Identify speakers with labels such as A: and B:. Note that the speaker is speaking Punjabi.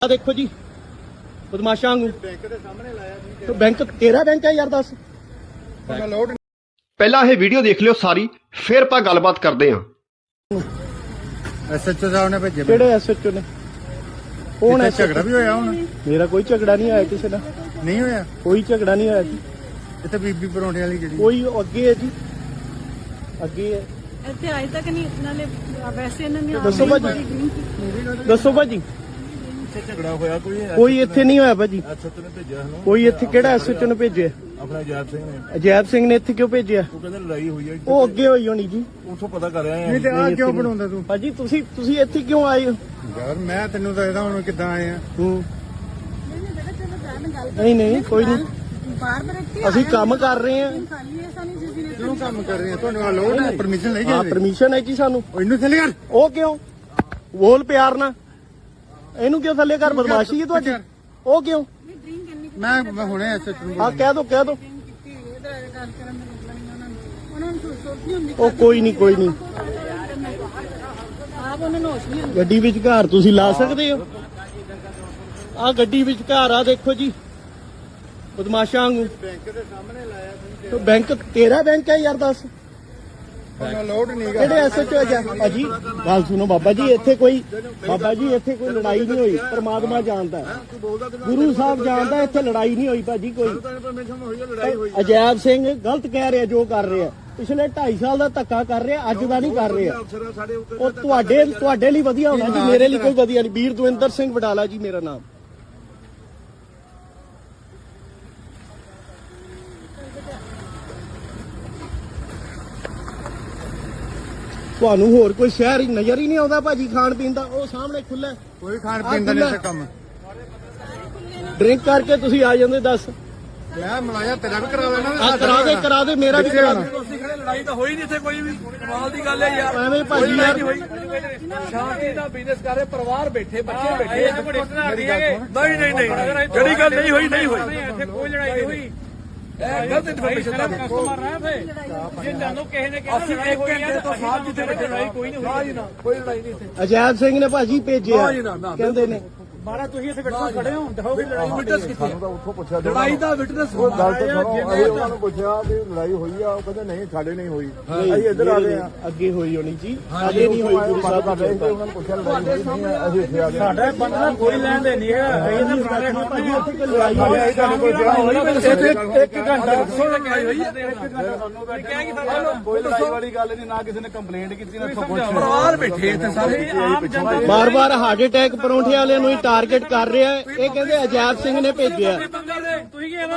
A: देखो जी बदमाशा
B: बैंक ਦੇ ਸਾਹਮਣੇ ਲਾਇਆ ਸੀ
A: तो बैंक तेरा बैंक है यार दस
B: ਮੈਂ ਲੋਡ
C: ਪਹਿਲਾਂ ਇਹ ਵੀਡੀਓ ਦੇਖ ਲਿਓ ਸਾਰੀ, ਫਿਰ ਆਪਾਂ ਗੱਲਬਾਤ ਕਰਦੇ ਹਾਂ।
B: ਐਸਐਚਓ ਸਾਹਿਬ ਨੇ ਭੇਜੇ
A: केड़े एसएचओ ने कौन है
B: ਝਗੜਾ ਵੀ ਹੋਇਆ ਹੁਣ
A: मेरा कोई झगड़ा नहीं आया किसी ना
B: ਨਹੀਂ ਹੋਇਆ
A: कोई झगड़ा नहीं आया जी
B: ਇੱਥੇ ਬੀਬੀ ਪਰੌਂਠੇ ਵਾਲੀ ਜਿਹੜੀ
A: कोई अगे है जी अगे है
D: ਇੱਥੇ ਅਜੇ ਤੱਕ ਨਹੀਂ ਨਾਲੇ ਵੈਸੇ ਇਹਨਾਂ ਨੇ
A: ਦੱਸੋ ਭਾਜੀ। दसो भाजी
B: ਇੱਥੇ ਝਗੜਾ ਹੋਇਆ
A: कोई इत्थे नहीं होया भाजी
B: ਐਸਐਚਓ ਨੇ ਭੇਜਿਆ ਸਾਨੂੰ
A: कोई इत्थे केड़ा एसएचओ ने भेजे
B: ਆਪਣਾ ਜਾਤ ਸਿੰਘ ਨੇ
A: अजैब सिंह ने इत्थे क्यों भेजे
B: ਉਹ ਕਹਿੰਦਾ ਲੜਾਈ ਹੋਈ ਹੈ
A: ਉਹ ਅੱਗੇ ਹੋਈ ਹੋਣੀ ਜੀ
B: ਉੱਥੋਂ ਪਤਾ ਕਰ ਰਿਹਾ ਨਹੀਂ ਤੇ ਆ ਕਿਉਂ ਬਣਾਉਂਦਾ ਤੂੰ
A: ਭਾਜੀ ਤੁਸੀਂ ਇੱਥੇ ਕਿਉਂ ਆਏ ਹੋ
B: ਯਾਰ ਮੈਂ ਤੈਨੂੰ ਦੱਸਦਾ ਹੁਣ ਕਿੱਦਾਂ ਆਏ ਆ
A: ਹੂੰ ਨਹੀਂ ਕੋਈ ਨਹੀਂ
D: ਬਾਹਰ ਬੈਠੇ
A: ਅਸੀਂ ਕੰਮ ਕਰ ਰਹੇ ਹਾਂ
D: ਖਾਲੀ ਹੈ ਸਾਨੂੰ ਜਿਸ ਦਿਨ
B: ਕਿਉਂ ਕੰਮ ਕਰ ਰਹੇ ਆ ਤੁਹਾਨੂੰ ਆ ਲੋਡ ਹੈ ਪਰਮਿਸ਼ਨ ਲਈ
A: ਹਾਂ
B: ਜਾਂਦੇ
A: ਪਰਮਿਸ਼ਨ ਹੈ ਜੀ ਸਾਨੂੰ
B: ਉਹ ਇਹਨੂੰ ਥੱਲੇ ਕਰ
A: ਉਹ ਕਿਉਂ ਬੋਲ ਪਿਆਰ ਨਾਲ ਇਹਨੂੰ ਕਿਉਂ ਥੱਲੇ ਕਰ ਬਦਮਾਸ਼ੀ ਹੈ ਤੁਹਾਡੀ ਉਹ ਕਿਉਂ
D: ਡਰਿੰਕ ਇੰਨੀ
B: ਮੈਂ ਹੁਣੇ ਐਸਐਚਓ ਨੂੰ
A: ਹਾਂ ਕਹਿ ਦੋ
D: ਕੀਤੀ ਇਹਦਾ ਗੱਲ ਕਰਨ ਦਾ ਮਤਲਬ ਨਹੀਂ ਉਹਨਾਂ ਨੂੰ ਸੋਚ ਨਹੀਂ ਹੁੰਦੀ
A: ਉਹ ਕੋਈ ਨਹੀਂ
D: ਆਪ ਉਹਨਾਂ ਨੂੰ ਹੋਸ਼ ਨਹੀਂ ਹੁੰਦੀ
A: ਗੱਡੀ ਵਿੱਚ ਘਰ ਤੁਸੀਂ ਲਾ ਸਕਦੇ ਹੋ ਆ ਗੱਡੀ ਵਿੱਚ ਘਰ ਆ ਦੇਖੋ ਜੀ ਬਦਮਾਸ਼ਾਂ ਵਾਂਗੂ
B: ਬੈਂਕ ਦੇ ਸਾਹਮਣੇ ਲਾਇਆ ਸੀ
A: ਬੈਂਕ ਤੇਰਾ ਬੈਂਕ ਹੈ ਯਾਰ ਦੱਸ
B: ਮੈਂ ਲੋਡ ਨਹੀਂ
A: ਕਿਹੜੇ ਐਸਐਚਓ ਹੈ ਭਾਜੀ ਗੱਲ ਸੁਣੋ ਬਾਬਾ ਜੀ ਇੱਥੇ ਕੋਈ ਲੜਾਈ ਨਹੀਂ ਹੋਈ ਪਰਮਾਤਮਾ ਜਾਣਦਾ ਹੈ। ਗੁਰੂ ਸਾਹਿਬ ਜਾਣਦਾ ਇੱਥੇ ਲੜਾਈ ਨਹੀਂ ਹੋਈ ਭਾਜੀ ਕੋਈ
B: ਪਰਮਿਸ਼ਨ ਹੋਈ ਹੈ ਲੜਾਈ ਹੋਈ
A: ਅਜੈਬ ਸਿੰਘ ਗਲਤ ਕਹਿ ਰਿਹਾ ਜੋ ਕਰ ਰਿਹਾ ਪਿਛਲੇ 2.5 ਸਾਲ ਦਾ ਧੱਕਾ ਕਰ ਰਿਹਾ ਅੱਜ ਦਾ ਨਹੀਂ ਕਰ ਰਿਹਾ
B: ਅਫਸਰ ਸਾਡੇ ਉੱਤੇ
A: ਉਹ ਤੁਹਾਡੇ ਲਈ ਵਧੀਆ ਹੋਣਾ ਜੀ ਮੇਰੇ ਲਈ ਕੋਈ ਵਧੀਆ ਨਹੀਂ ਵੀਰ ਦਵਿੰਦਰ ਸਿੰਘ ਵਡਾਲਾ ਜੀ ਮੇਰਾ ਨਾਮ ਤੁਹਾਨੂੰ ਹੋਰ ਕੋਈ ਸ਼ਹਿਰ ਨਜ਼ਰ ਹੀ ਨਹੀਂ ਆਉਂਦਾ ਭਾਜੀ ਖਾਣ ਪੀਣ ਦਾ ਉਹ ਸਾਹਮਣੇ ਖੁੱਲਾ
B: ਕੋਈ ਖਾਣ ਪੀਣ ਦਾ ਨਹੀਂ ਕੰਮ
A: ਡਰਿੰਕ ਕਰਕੇ ਤੁਸੀਂ ਆ ਜਾਂਦੇ ਦੱਸ
B: ਮੈਂ ਮਲਾਇਆ ਤੇਰਾ ਵੀ ਕਰਾ ਲੈਣਾ
A: ਆ ਕਰਾ ਦੇ ਮੇਰਾ ਵੀ ਕਰਾ ਦੇ
E: ਤੁਸੀਂ ਖੜੇ ਲੜਾਈ ਤਾਂ ਹੋਈ ਨਹੀਂ ਇੱਥੇ ਕੋਈ ਵੀ ਕਮਾਲ ਦੀ ਗੱਲ ਹੈ ਯਾਰ
A: ਐਵੇਂ ਭਾਜੀ ਯਾਰ
E: ਸ਼ਾਂਤੀ ਦਾ ਬਿਜ਼ਨਸ ਕਰ ਰਹੇ ਪਰਿਵਾਰ ਬੈਠੇ ਬੱਚੇ ਬੈਠੇ ਨਹੀਂ ਜਿਹੜੀ ਗੱਲ ਨਹੀਂ ਹੋਈ ਇੱਥੇ ਕੋਈ ਲੜਾਈ ਨਹੀਂ ਹੋਈ ਇਹ ਗਲਤ ਇਨਫੋਰਮੇਸ਼ਨ ਦਾ ਕਸਟਮਰ ਰਹਾ ਫੇ ਜੇ ਜਾਨੋ ਕਿਸੇ ਨੇ ਕਿਹਾ ਅਸੀਂ 1 ਘੰਟੇ ਤੋਂ ਸਾਥ ਜਿੱਥੇ ਬੈਠੇ ਲੜਾਈ ਕੋਈ ਨਹੀਂ ਹੋਈ ਨਾ ਕੋਈ ਲੜਾਈ ਨਹੀਂ ਇੱਥੇ
A: ਅਜੈਬ ਸਿੰਘ ਨੇ ਭਾਜੀ ਭੇਜਿਆ ਕਹਿੰਦੇ ਨੇ
E: ਮਾਰਾ ਤੁਸੀਂ ਇੱਥੇ ਬੈਠੋ ਖੜੇ ਹੋ ਦਿਖਾਓ ਵੀ ਲੜਾਈ ਵਿਟਨੈਸ ਕਿੱਥੇ ਉੱਥੋਂ ਪੁੱਛਿਆ ਲੜਾਈ ਦਾ ਵਿਟਨੈਸ
B: ਗੱਲ ਤਾਂ ਸੁਣੋ ਅਸੀਂ ਉਹਨਾਂ ਨੂੰ ਪੁੱਛਿਆ ਵੀ ਲੜਾਈ ਹੋਈ ਆ ਉਹ ਕਹਿੰਦੇ ਨਹੀਂ ਸਾਡੇ ਨਹੀਂ ਹੋਈ ਅਸੀਂ ਇੱਧਰ ਆ ਗਏ ਆ
A: ਅੱਗੇ ਹੋਈ ਹੋਣੀ ਜੀ ਅੱਗੇ ਨਹੀਂ ਹੋਈ ਗੁਰੂ ਸਾਹਿਬ
B: ਕਰ ਰਹੇ ਸੀ ਉਹਨਾਂ ਨੂੰ ਪੁੱਛਿਆ ਲੜਾਈ ਹੋਈ ਨਹੀਂ ਆ, ਅਸੀਂ ਇੱਥੇ ਆ ਗਏ
E: ਸਾਡਾ ਬੰਦਾ ਕੋਈ ਲੈਣ ਦੇ ਨਹੀਂ ਹੈ
A: ਭਾਜੀ ਇੱਥੇ ਕੋਈ ਲੜਾਈ ਹੋਈ
B: ਅਸੀਂ ਤੁਹਾਨੂੰ ਪੁੱਛਿਆ
E: ਇੱਥੇ 1 ਘੰਟਾ ਦੱਸੋ ਲੜਾਈ ਹੋਈ ਹੈ 1 ਘੰਟਾ ਤੁਹਾਨੂੰ ਕਹਿ ਕਿ
B: ਕੋਈ ਲੜਾਈ ਵਾਲੀ ਗੱਲ ਨਹੀਂ ਨਾ ਕਿਸੇ ਨੇ ਕੰਪਲੇਂਟ ਕੀਤੀ ਨਾ ਇੱਥੋਂ ਪੁੱਛਿਆ
E: ਪਰਿਵਾਰ ਬੈਠੇ ਇੱਥੇ ਸਾਰੇ ਆਮ ਜਨਤਾ
A: ਬਾਰ-ਬਾਰ ਹਾਰਟ ਅਟੈਕ ਪਰੌਂਠੇ ਵਾਲਿਆਂ ਨੂੰ ਹੀ ਟਾਰਗੇਟ ਕਰ ਰਿਹਾ ਹੈ ਇਹ ਕਹਿੰਦੇ ਅਜੈਬ ਸਿੰਘ ਨੇ ਭੇਜਿਆ
E: ਤੁਸੀਂ ਕੀ